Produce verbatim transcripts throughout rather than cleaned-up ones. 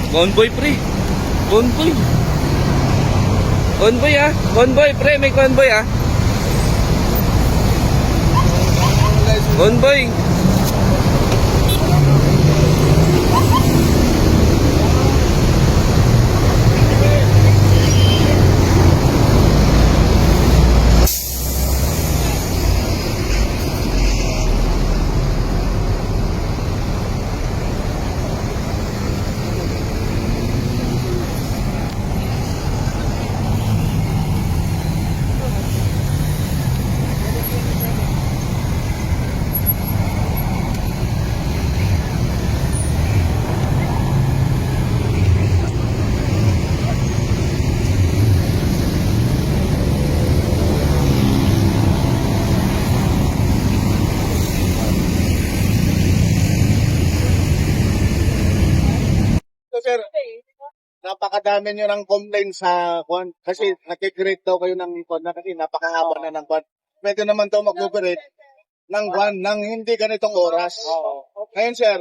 Convoy, pre. Convoy. Convoy, ah. Convoy, pre. May convoy, ah. Convoy. Sir, napakadami nyo ng complaint sa kwan. Kasi nakikreate daw kayo ng kwan na kasi napakahaba na ng kwan. Pwede naman daw mag-operate ng kwan ng hindi ganitong oras. Ngayon sir,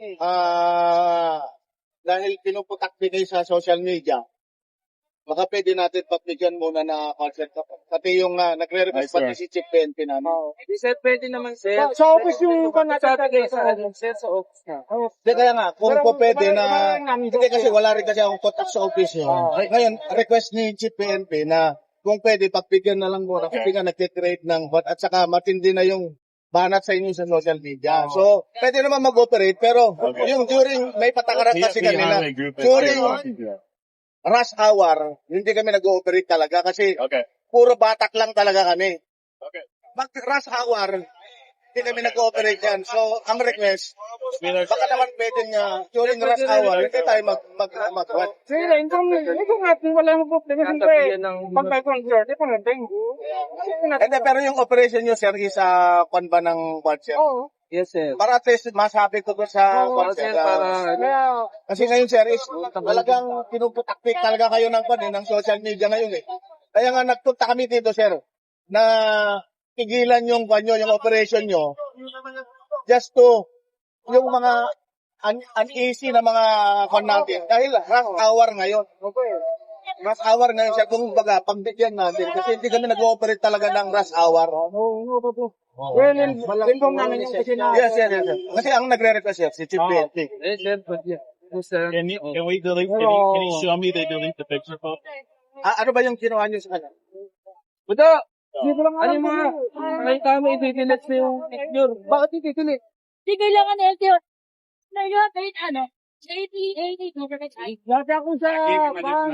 ah dahil pinuputak din kayo sa social media, baka pwede natin pagbigyan muna na concert. Pati yung uh, nagre-request pati si Chief P N P namin. Di sir, pwede naman sir. Sa, sa office yung kung natatagay sa Sir, sa office na. Hindi kaya nga, kung po pwede na, hindi kasi wala rin kasi akong contact sa office yun. Ngayon, request ni Chief P N P na kung pwede, pagbigyan na lang muna kasi nga nag-create ng hot at saka matindi na yung banat sa inyo sa social media. So, pwede naman mag-operate pero yung during, may patakaran kasi kanila, during rush hour, hindi kami nag-ooperate talaga kasi puro batak lang talaga kami. Mag rush hour, hindi kami nag-ooperate yan. So, ang request, baka naman pwede nga, during rush hour, hindi tayo mag mag mag mag Sige, kung kung natin wala mo problema siyempre. Pag may concert, ito na din. Hindi, pero yung operation nyo, sir, is uh, kwan ba ng concert? Oo. Yes, sir. Para at least masabi ko doon sa Oo, concert. sir, ah, para Kaya, Kasi ngayon, sir, is talagang pinuputakpik talaga kayo ng kwan, eh, ng social media ngayon eh. Kaya nga nagpunta kami dito, sir, na tigilan yung kwan nyo, yung operation nyo, just to, yung mga un- uneasy na mga kwan natin. Dahil rush hour ngayon. Rush hour ngayon, sir, kung baga, pagbigyan natin. Kasi hindi kami nag-ooperate talaga ng rush hour. oo, oo, oo. Well, inform namin yung kasi na. Yes, yes, yes. yes. Kasi ang nagre-request, sir, si Chief P N P. Yes, sir. Yes, sir. Can you can we delete? Can you, can you show me they delete the picture, Pop? Ah, ano ba yung ginawa nyo sa kanya? Buto! Hindi ko lang Ano alam yung mga, kung- may tama ititilits na yung picture. Bakit ititilit? Di kailangan L T O. Na yun, kahit ano, eighty, eighty, government side. Dati ako sa pang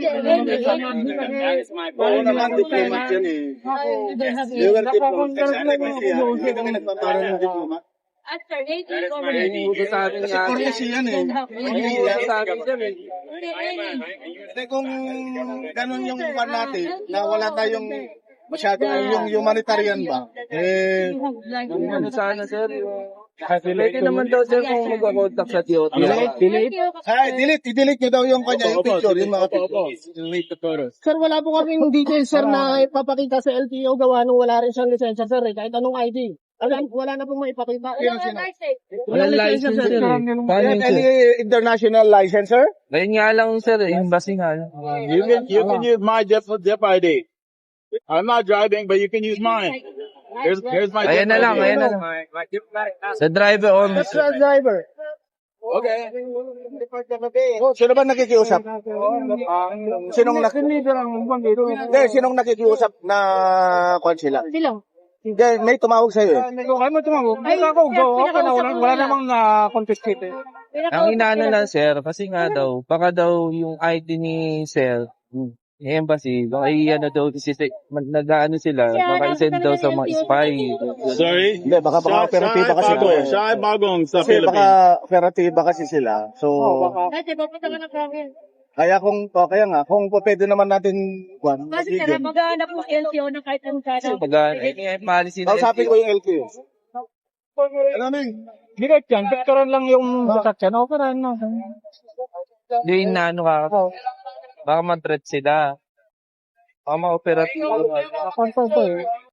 Oo naman, diplomat yan eh. You were diplomat. Hindi kami nagpapara ng diplomat. After eighty, government. Buto sa atin Kasi nga. courtesy yan eh. Buto sa atin sir eh. Kasi kung ganun yung pan natin, na wala tayong masyado yung humanitarian ba, eh, Ano sana sir, yung... Pwede naman daw sir kung mag-contact sa T O T. Delete. ay, delete, i-delete nyo daw yung kanya, yung picture, yung mga picture. Delete the photos. Sir, wala po kaming details, sir, na ipapakita sa L T O gawa nung wala rin siyang lisensya, sir, eh. Kahit anong I D. Wala, wala na pong maipakita. Yun ang sinabi. Walang license sir eh. Paano Yan, yun any sir? international licensor? Ngayon nga lang sir eh, embassy nga lang. You can you can use my Dep Dep I D. I'm not driving, but you can use mine. Here's here's my. Ayan na Dep lang, I D. ayan na lang. Sa driver on. That's the driver. Okay. Oh, sino ba nakikiusap? Sinong nak Leader ang buwan dito. Hindi, sinong nakikiusap na kwan sila? Sila. Hindi, may tumawag sa'yo eh. Kung kayo mo tumawag, ay ako, go, okay na, wala, wala namang na-confiscate eh. Ang inaano lang sir, kasi nga daw, baka daw yung I D ni sir, yung embassy, baka i-ano daw, si, nag-ano sila, baka i-send daw sa mga spy. Sorry. Hindi, baka baka operatiba kasi ito eh. Shy Bagong sa Kasi Philippines. baka operatiba kasi sila. So, Dati, papunta ka na province. kaya kung, o, kaya nga, kung pwede naman natin, kwan, Kasi kaya maghanap ng L T O ng kahit anong So, kano. baga, eh, policy na kausapin ko yung L T O. Ano nang? Direct yan, picturean lang yung sasakyan, okay na, no? Hindi, inaano ka. Baka ma-threat sila. Baka ma-operate. Confirm ko eh.